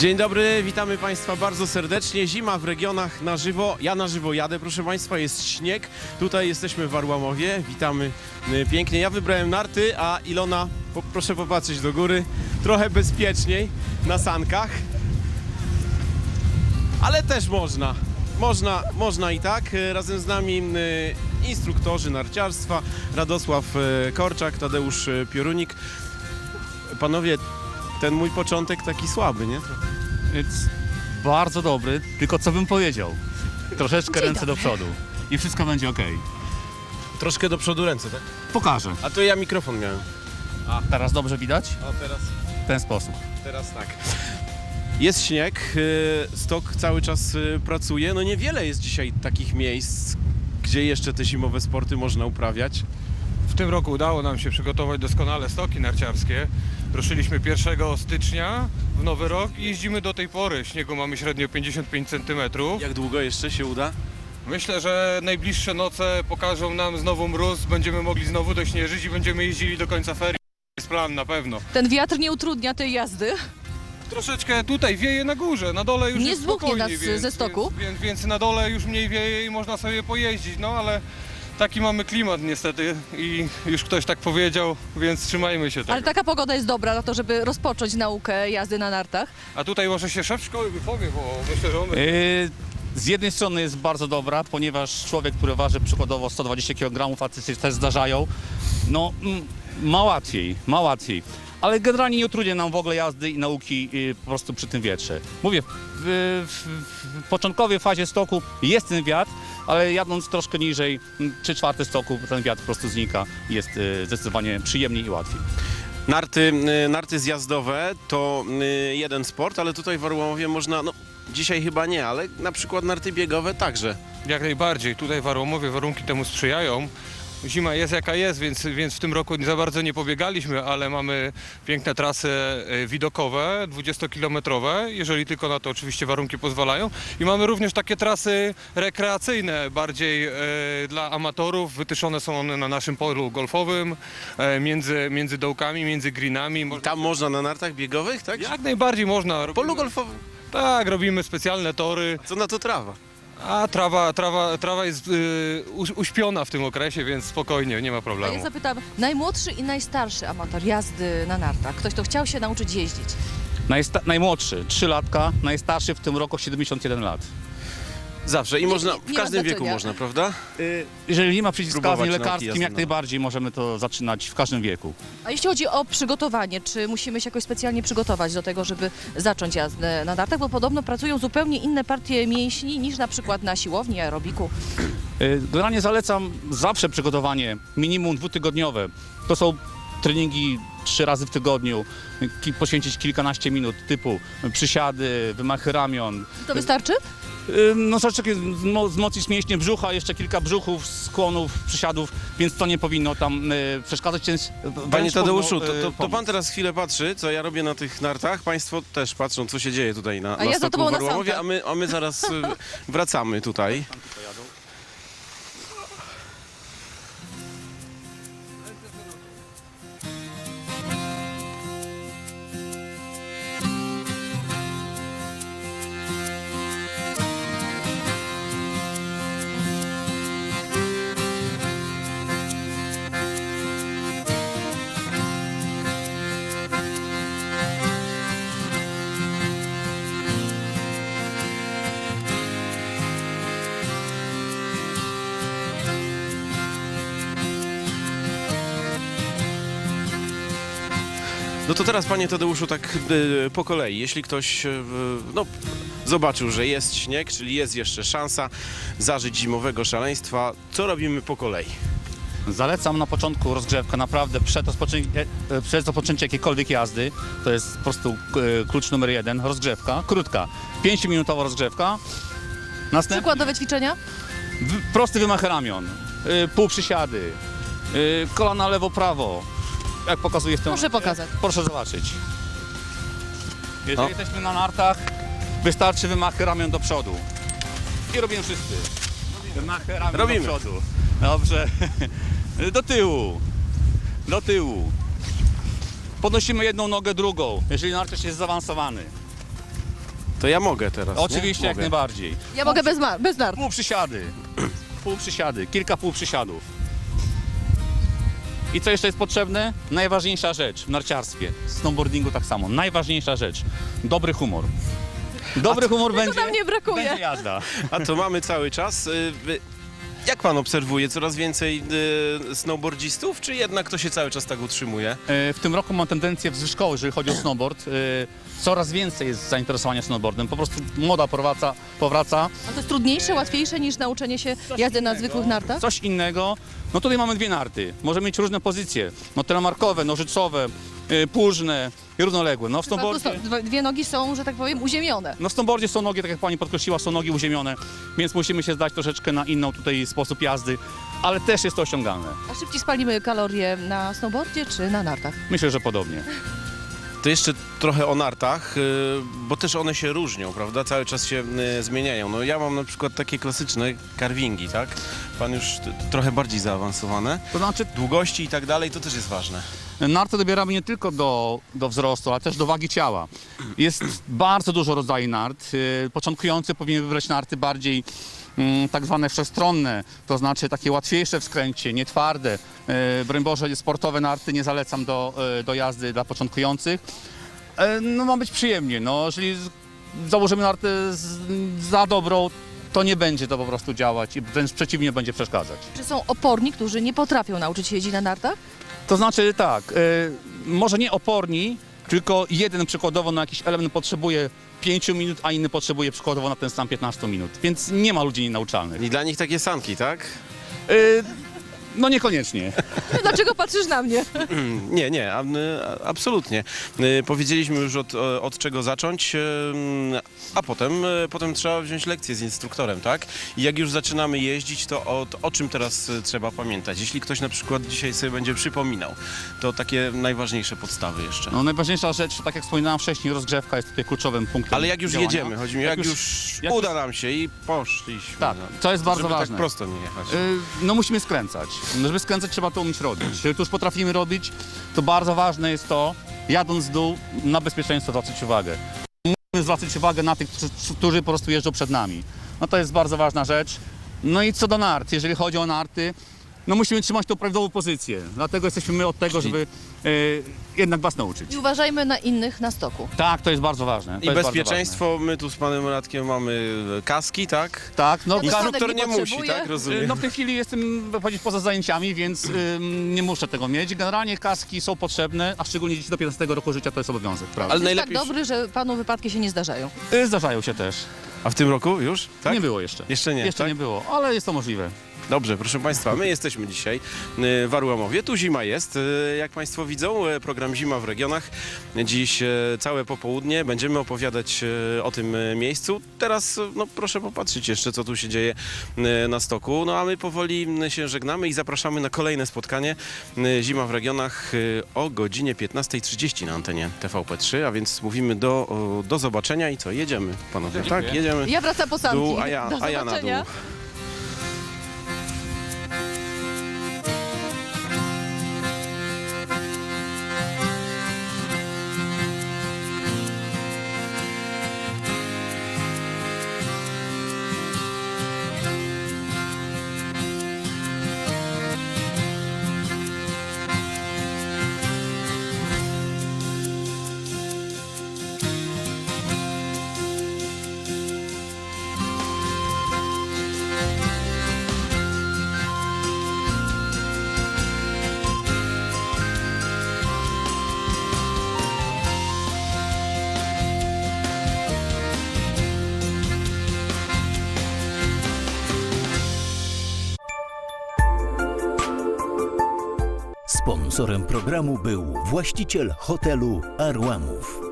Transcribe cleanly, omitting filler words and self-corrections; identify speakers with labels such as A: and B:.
A: Dzień dobry, witamy Państwa bardzo serdecznie. Zima w regionach na żywo. Ja na żywo jadę, proszę Państwa, jest śnieg. Tutaj jesteśmy w Arłamowie, witamy pięknie. Ja wybrałem narty, a Ilona, proszę popatrzeć do góry, trochę bezpieczniej na sankach. Ale też można i tak. Razem z nami instruktorzy narciarstwa, Radosław Korczak, Tadeusz Piorunik. Panowie, ten mój początek taki słaby, nie?
B: Jest bardzo dobry, tylko co bym powiedział? Troszeczkę ręce do przodu i wszystko będzie ok.
A: Troszkę do przodu ręce, tak?
B: Pokażę.
A: A to ja mikrofon miałem.
B: A teraz dobrze widać?
A: A teraz?
B: W ten sposób.
A: Teraz tak. Jest śnieg, stok cały czas pracuje. No niewiele jest dzisiaj takich miejsc, gdzie jeszcze te zimowe sporty można uprawiać.
C: W tym roku udało nam się przygotować doskonale stoki narciarskie. Ruszyliśmy 1 stycznia w nowy rok i jeździmy do tej pory. Śniegu mamy średnio 55 cm.
A: Jak długo jeszcze się uda?
C: Myślę, że najbliższe noce pokażą nam znowu mróz, będziemy mogli znowu dośnieżyć i będziemy jeździli do końca ferii. Jest plan na pewno.
D: Ten wiatr nie utrudnia tej jazdy?
C: Troszeczkę tutaj wieje na górze, na dole już
D: Nie
C: jest
D: zdmuchnie
C: spokojnie,
D: nas ze stoku?
C: Więc na dole już mniej wieje i można sobie pojeździć, no ale taki mamy klimat niestety i już ktoś tak powiedział, więc trzymajmy się tego.
D: Ale taka pogoda jest dobra na to, żeby rozpocząć naukę jazdy na nartach.
C: A tutaj może się szef szkoły wypowie, bo myślę, że on...
B: Z jednej strony jest bardzo dobra, ponieważ człowiek, który waży przykładowo 120 kg, a ty też zdarzają, no ma łatwiej. Ale generalnie nie utrudnia nam w ogóle jazdy i nauki po prostu przy tym wietrze. Mówię, w początkowej fazie stoku jest ten wiatr, ale jadąc troszkę niżej, 3/4 stoku, ten wiatr po prostu znika i jest zdecydowanie przyjemniej i łatwiej.
A: Narty zjazdowe to jeden sport, ale tutaj w Arłamowie można, no dzisiaj chyba nie, ale na przykład narty biegowe także.
C: Jak najbardziej, tutaj w Arłamowie warunki temu sprzyjają. Zima jest jaka jest, więc w tym roku za bardzo nie pobiegaliśmy, ale mamy piękne trasy widokowe, 20-kilometrowe, jeżeli tylko na to oczywiście warunki pozwalają. I mamy również takie trasy rekreacyjne, bardziej dla amatorów. Wytyszone są one na naszym polu golfowym, między dołkami, między greenami.
A: I tam można na nartach biegowych, tak?
C: Jak najbardziej można.
A: W polu golfowym?
C: Tak, robimy specjalne tory.
A: Co na to trawa?
C: A trawa jest uśpiona w tym okresie, więc spokojnie, nie ma
D: A
C: problemu.
D: ja zapytam, najmłodszy i najstarszy amator jazdy na nartach, ktoś, kto chciał się nauczyć jeździć.
B: Najmłodszy 3 latka, najstarszy w tym roku 71 lat.
A: Zawsze i można, w
D: nie ma
A: każdym wieku
D: znaczenia.
A: można, prawda?
B: Jeżeli nie ma
A: Próbować
B: przeciwwskazań
A: nauki
B: lekarskich,
A: jazdy
B: jak
A: na-
B: najbardziej możemy to zaczynać w każdym wieku.
D: A jeśli chodzi o przygotowanie, czy musimy się jakoś specjalnie przygotować do tego, żeby zacząć jazdę na nartach? Bo podobno pracują zupełnie inne partie mięśni niż na przykład na siłowni, aerobiku.
B: Generalnie zalecam zawsze przygotowanie minimum 2-tygodniowe. To są treningi 3 razy w tygodniu, poświęcić kilkanaście minut typu przysiady, wymachy ramion.
D: To wystarczy?
B: No troszeczkę wzmocnić mięśnie brzucha, jeszcze kilka brzuchów, skłonów, przysiadów, więc to nie powinno tam przeszkadzać.
A: Panie Tadeuszu, to pan teraz chwilę patrzy, co ja robię na tych nartach. Państwo też patrzą, co się dzieje tutaj na
D: ja za
A: stoku
D: tobą
A: w
D: na
A: Arłamowie,
D: sankach.
A: a my zaraz wracamy tutaj. No to teraz, panie Tadeuszu, tak po kolei. Jeśli ktoś no, zobaczył, że jest śnieg, czyli jest jeszcze szansa zażyć zimowego szaleństwa, co robimy po kolei?
B: Zalecam na początku rozgrzewkę, naprawdę przed rozpoczęciem jakiejkolwiek jazdy, to jest po prostu klucz numer 1, rozgrzewka, krótka, 5-minutowa rozgrzewka. Następnie
D: Przykładowe ćwiczenia?
B: prosty wymach ramion, półprzysiady, kolana lewo-prawo, jak pokazuję w tym.
D: Proszę pokazać.
B: Proszę zobaczyć. Jeżeli jesteśmy na nartach, wystarczy wymachy ramion do przodu. I robimy wszyscy. Wymachy ramion
A: Robimy.
B: do przodu. Dobrze. Do tyłu. Do tyłu. Podnosimy jedną nogę, drugą, jeżeli narciarz jest zaawansowany.
A: To ja mogę teraz, nie?
B: Oczywiście, jak
A: Mogę.
B: najbardziej.
D: Ja mogę bez nart.
B: Półprzysiady, kilka półprzysiadów. I co jeszcze jest potrzebne? Najważniejsza rzecz w narciarstwie, w snowboardingu tak samo. Najważniejsza rzecz. Dobry humor. Dobry humor będzie,
D: nam nie brakuje.
B: będzie jazda.
A: A to mamy cały czas. Jak pan obserwuje? Coraz więcej snowboardzistów, czy jednak to się cały czas tak utrzymuje?
B: W tym roku mam tendencję wzwyżkową, jeżeli chodzi o snowboard. Coraz więcej jest zainteresowania snowboardem. Po prostu moda powraca.
D: A to jest trudniejsze, łatwiejsze niż nauczenie się jazdy na zwykłych nartach?
B: Coś innego. No tutaj mamy dwie narty. Możemy mieć różne pozycje. No telemarkowe, nożycowe, płużne i równoległe. No w snowboardzie...
D: Dwie nogi są, że tak powiem, uziemione.
B: No w snowboardzie są nogi, tak jak pani podkreśliła, są nogi uziemione, więc musimy się zdać troszeczkę na inną tutaj sposób jazdy, ale też jest to osiągalne.
D: A szybciej spalimy kalorie na snowboardzie czy na nartach?
B: Myślę, że podobnie.
A: To jeszcze trochę o nartach, bo też one się różnią, prawda? Cały czas się zmieniają. No ja mam na przykład takie klasyczne carvingi, tak? Pan już trochę bardziej zaawansowane.
B: To znaczy,
A: Długości i tak dalej, to też jest ważne.
B: narty dobieramy nie tylko do wzrostu, ale też do wagi ciała. Jest bardzo dużo rodzajów nart. Początkujący powinien wybrać narty bardziej tak zwane wszechstronne, to znaczy takie łatwiejsze w skręcie, nie twarde. Broń Boże, sportowe narty nie zalecam do jazdy dla początkujących. No ma być przyjemnie, no jeżeli założymy nartę za dobrą, to nie będzie to po prostu działać i wręcz przeciwnie, będzie przeszkadzać.
D: Czy są oporni, którzy nie potrafią nauczyć się jeździć na nartach?
B: To znaczy tak, może nie oporni, tylko jeden przykładowo na jakiś element potrzebuje 5 minut, a inny potrzebuje przykładowo na ten sam 15 minut, więc nie ma ludzi nienauczalnych.
A: I dla nich takie sanki, tak?
B: No niekoniecznie.
D: Dlaczego patrzysz na mnie?
A: Nie, absolutnie. Powiedzieliśmy już od czego zacząć, a potem trzeba wziąć lekcję z instruktorem, tak? I jak już zaczynamy jeździć, to o czym teraz trzeba pamiętać? Jeśli ktoś na przykład dzisiaj sobie będzie przypominał, to takie najważniejsze podstawy jeszcze.
B: No najważniejsza rzecz, tak jak wspominałem wcześniej, rozgrzewka jest tutaj kluczowym punktem
A: Ale jak już
B: działania.
A: jedziemy, chodzi mi, jak już uda nam się i poszliśmy.
B: Tak,
A: no,
B: to jest bardzo
A: żeby
B: ważne.
A: tak prosto nie jechać.
B: No musimy skręcać. Żeby skręcać, trzeba to umieć robić. Jeżeli to już potrafimy robić, to bardzo ważne jest to, jadąc w dół, na bezpieczeństwo zwracać uwagę. Musimy zwracać uwagę na tych, którzy po prostu jeżdżą przed nami. No to jest bardzo ważna rzecz. No i co do nart, jeżeli chodzi o narty, no musimy trzymać tą prawidłową pozycję. Dlatego jesteśmy my od tego, żeby jednak was nauczyć.
D: I uważajmy na innych na stoku.
B: Tak, to jest bardzo ważne. To
A: I
B: jest
A: bezpieczeństwo, my tu z panem Radkiem mamy kaski, tak?
B: Bardzo ważne. Tak, no,
A: Instruktor
D: nie
A: nie musi,
D: potrzebuje.
A: tak? Rozumiem.
B: no w tej chwili jestem powiedzieć poza zajęciami, więc nie muszę tego mieć. Generalnie kaski są potrzebne, a szczególnie dzieci do 15 roku życia to jest obowiązek, prawda?
A: Ale
D: Jest
A: najlepiej...
D: tak dobry, że panu wypadki się nie zdarzają.
B: Zdarzają się też.
A: A w tym roku już? Tak?
B: Nie było jeszcze.
A: Jeszcze nie,
B: Jeszcze
A: tak?
B: nie było, ale jest to możliwe.
A: Dobrze, proszę Państwa, my jesteśmy dzisiaj w Warłamowie. Tu zima jest, jak Państwo widzą, program Zima w regionach. Dziś całe popołudnie będziemy opowiadać o tym miejscu. Teraz no, proszę popatrzeć jeszcze, co tu się dzieje na stoku. No a my powoli się żegnamy i zapraszamy na kolejne spotkanie Zima w regionach o godzinie 15:30 na antenie TVP3, a więc mówimy do zobaczenia i co, jedziemy panowie,
B: Dziękuję.
A: tak? Jedziemy
D: Ja wracam po
A: w
D: sanki.
A: dół,
D: Do
A: a ja na
D: zobaczenia.
A: dół.
E: Sponsorem programu był właściciel hotelu Arłamów.